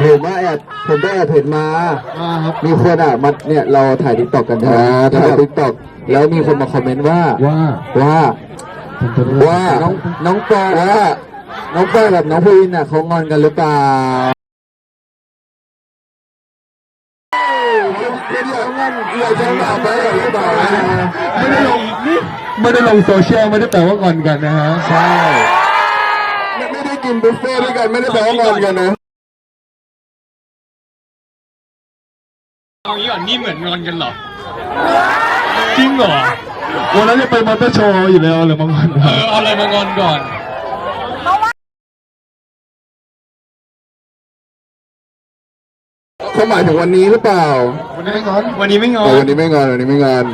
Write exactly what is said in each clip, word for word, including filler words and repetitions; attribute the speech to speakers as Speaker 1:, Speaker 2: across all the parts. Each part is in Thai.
Speaker 1: ผมว่าแอบผมได้แอบเห็นมามีคนอ่ะมาเนี่ยเราถ่ายทิกตอกกันใช่ไหมถ่ายทิกตอกแล้วมีคนมาคอมเมนต์ว่า
Speaker 2: ว่า
Speaker 1: ว่าว่าน้องน้องปอว่าน้องปอกับน้องพูวินอ่ะเขางอนกันหรือเปล่าคุณอยากงอนอยากจะงอนไปหรือเปล่า
Speaker 2: ไม่ได้ลงไม่ได้ลงโซเชียลไม่ได้แปลว่างอนกันนะฮะ
Speaker 1: ใช่ไม่ได้กินบุฟเฟ่ด้วยกันไม่ได้แปลว่างอนกันนะ
Speaker 3: เอางี้ก่อนนี่เหมือนงอนกันเหรอจริงเหรอ
Speaker 2: วันนั้นจะไปมอเตอร์โชว์อยู่แล้วเลยมางอน
Speaker 3: เออเอาอะไรมางอนก่อน
Speaker 1: เขาหมายถึงวันนี้หรือเปล่า
Speaker 2: วันนี้ไม่งอน
Speaker 3: วันนี้ไม่งอน
Speaker 1: วันนี้ไม่งอนวันนี้ไม่งอน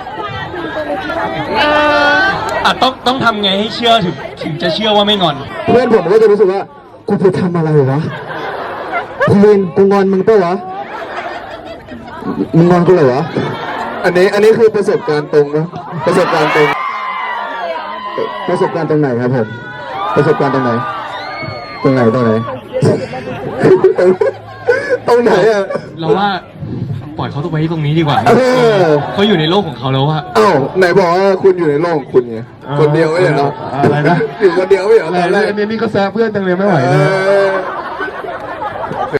Speaker 3: อ่ะต้องต้องทำไงให้เชื่อถึงถึงจะเชื่อว่าไม่งอน
Speaker 1: เพื่อนผมก็จะรู้สึกว่ากูไปทำอะไรวะพูวินกูงอนมึงเปล่าวะมึงงอนกูเหรอวะอันนี้อันนี้คือประสบการณ์ตรงนะประสบการณ์ตรงประสบการณ์ตรงไหนครับผมประสบการณ์ตรงไหนตรงไหนตรงไหนตรงไหนอะ
Speaker 3: เราว่าปล่อยเขาตัวไว้ตรงนี้ดีกว่าเขาอยู่ในโลกของเขาแล้วว่า
Speaker 1: อ้าวไหนบอกว่าคุณอยู่ในโลกของคุณไงคนเดียวไม่เหรอ
Speaker 2: อะไรนะ
Speaker 1: อยู่คนเดียวไม่เหรอ
Speaker 2: อะไรอันนี้นี่ก็แซะเพื่อนจังเลยไม่ไหวนะ